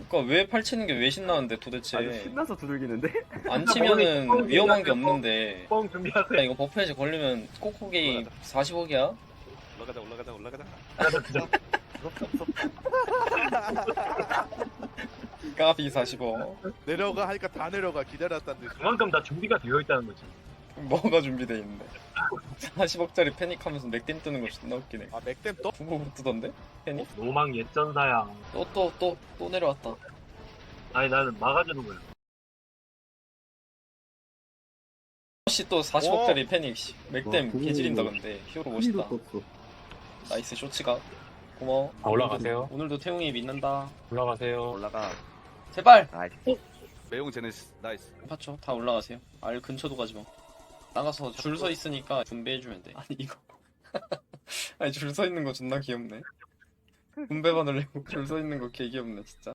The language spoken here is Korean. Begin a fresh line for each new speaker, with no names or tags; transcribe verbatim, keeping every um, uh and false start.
그니까 왜 팔치는 게 왜 신나는데 도대체.
아주 신나서 두들기는데?
안 치면은 위험한 게 없는데.
뻥 준비하세요.
야, 이거 버프에지 걸리면 코코게이 사십억이야?
올라가자 올라가자 올라가자.
까비 사십억.
내려가 하니까 다 내려가. 기다렸다는 듯이.
그만큼 다 준비가 되어 있다는 거지.
뭐가 준비돼 있는데. 사십억짜리 패닉하면서 맥댐 뜨는 거 존나 웃기네.
아 맥댐 또?
후보부 뜨던데? 패닉?
노망 예전사야.
또 또 또 또 내려왔다.
아니 나는 막아주는 거야.
혹시 또 사십억짜리 패닉 씨.
와,
맥댐
그거
개지린다 근데. 히어로 멋있다.
떴어.
나이스 쇼츠가. 고마워.
아, 올라가세요.
오늘도 태웅이 믿는다.
올라가세요.
올라가.
제발!
나이스.
매용 제네시스 나이스.
맞죠? 다 올라가세요. 알 근처도 가지 마. 나가서 줄 서 있으니까 분배해주면 돼. 아니 이거. 아니 줄 서 있는 거 존나 귀엽네. 분배반을 내고 줄 서 있는 거 개 귀엽네 진짜.